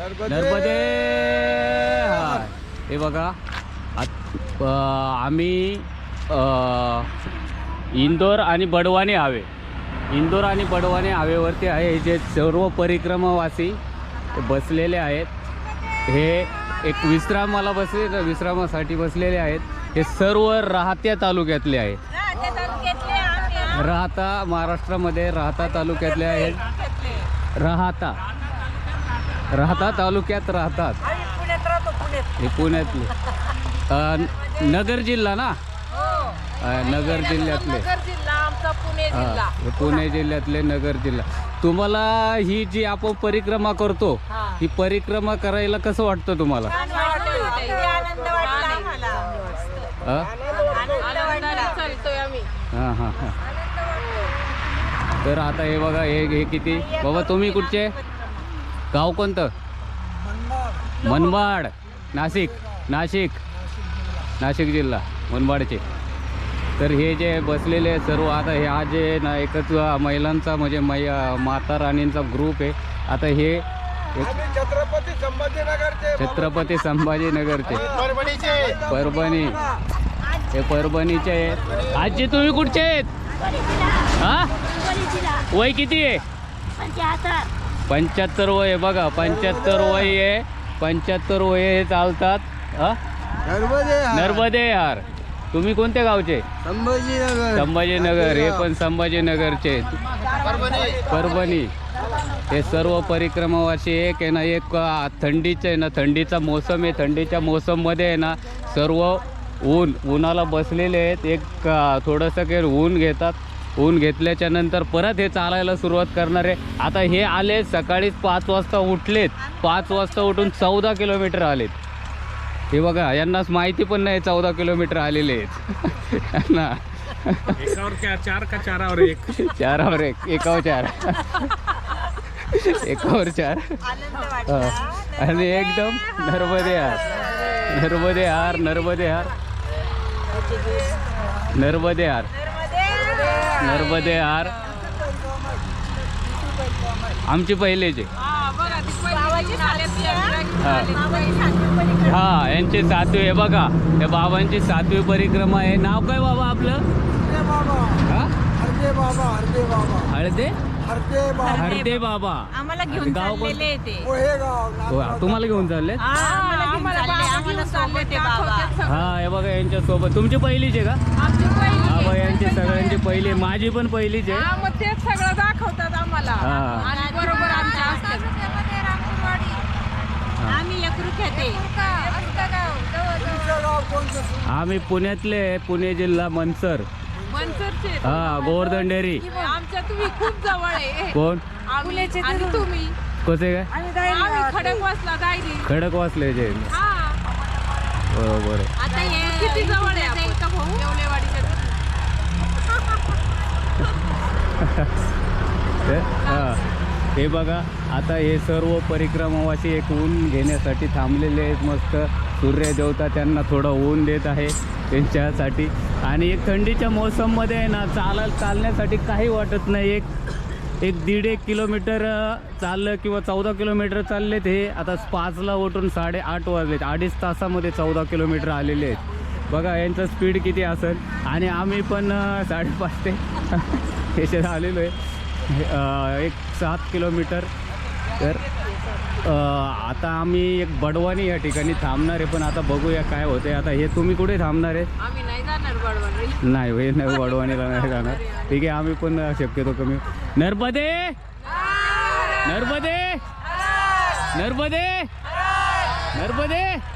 नर्मदे हार. हे बघा आम्ही इंदोर आणि बडवानी हवेवरती आहे. हे जे सर्व परिक्रमावासी बसलेले आहेत, हे एक विश्रामासाठी बसलेले आहेत. हे सर्व राहत्या तालुक्यातले आहेत. राहता महाराष्ट्रामध्ये राहता तालुक्यातले आहेत. राहता तालुक्यात राहतात. हे पुण्यातले नगर जिल्हा ना, नगर जिल्ह्यातले. हे पुणे जिल्ह्यातले नगर जिल्हा. तुम्हाला ही जी आपण परिक्रमा करतो, ही परिक्रमा करायला कसं वाटतं तुम्हाला? हां हां हां. तर आता हे बघा, हे किती बाबा, तुम्ही कुठचे, गाव कोणतं? मनमाड. नाशिक जिल्हा मनमाडचे. तर हे जे बसलेले सर्व, आता हे आज जे ना एकच महिलांचा म्हणजे माता राणींचा ग्रुप आहे. आता हे छत्रपती संभाजीनगरचे परभणी, हे परभणीचे आहेत. आजी तुम्ही कुठचे आहेत? हा, वय किती आहे? 75 वय आहे बघा. 75 वय आहे. 75 वय हे चालतात. नर्मदे हार. तुम्ही कोणत्या गावचे? संभाजीनगर. हे पण संभाजीनगरचे. परभणी. हे सर्व परिक्रमावासी एक आहे ना, एक थंडीचे आहे ना, थंडीचा मोसम आहे. थंडीच्या मोसममध्ये आहे ना सर्व उन्हाला बसलेले आहेत. एक थोडंसं काही ऊन घेतात. ऊन घेतल्याच्या नंतर परत हे चालायला सुरुवात करणार आहे. आता हे आले सकाळी 5 वाजता उठलेत. 5 वाजता उठून 14 किलोमीटर आलेत. हे बघा, यांनाच माहिती पण नाही 14 किलोमीटर आलेले आहेत ना. एकावर 4 1 4 1 एकावर 4 एकावर 4. आणि एकदम नर्मदे हार. आमची पहिलेचे. हा, यांची 7वी आहे बघा. या बाबांची 7वी परिक्रमा आहे. नाव काय बाबा आपलं? हरदे बाबा. आम्हाला घेऊन चाललेले ते. तुम्हाला घेऊन चालले? हा, हे बघा यांच्या सोबत. तुमची पहिलीच आहे का? हा बघा, यांची सगळ्यांची पहिली. माझी पण पहिलीच आहे. तेच सगळं दाखवतात आम्हाला. आणि बरोबर आमच्या असतात. आम्ही आम्ही पुण्यातले. पुणे जिल्हा मनसर. हा, गोवर्धन डेअरी. आमच्या तुम्ही खूप जवळ आहे. कोण? आणि तुम्ही कसे काय? खडकवासले जे. बरोबर. आता हे किती जवळ आहे आपण? हा, हे बघा, आता हे सर्व परिक्रमावासी एक ऊन घेण्यासाठी थांबलेले आहेत. मस्त सूर्य देवता त्यांना थोडं ऊन देत आहे त्यांच्यासाठी. आणि एक थंडीच्या मोसममध्ये आहे ना, चालण्यासाठी काही वाटत नाही. एक 1.5 किलोमीटर चाललं किंवा 14 किलोमीटर चालले. ते आता 5ला उठून 8:30 वाजलेत. 2.5 तासामध्ये 14 किलोमीटर आलेले आहेत. बघा यांचं स्पीड किती असेल. आणि आम्ही पण 5:30 ते याच्यात आलेलो आहे. एक 7 किलोमीटर. तर आता आम्ही एक बडवानी या ठिकाणी थांबणार आहे. पण आता बघूया काय होते. आता हे तुम्ही कुठे थांबणार आहे? आम्ही नाही जाणार बडवानी. नाही हे नाही, बडवानीला नाही जाणार. ठीक आहे, आम्ही पण शक्यतो कमी. नर्मदे नर्मदे नर्मदे नर्मदे.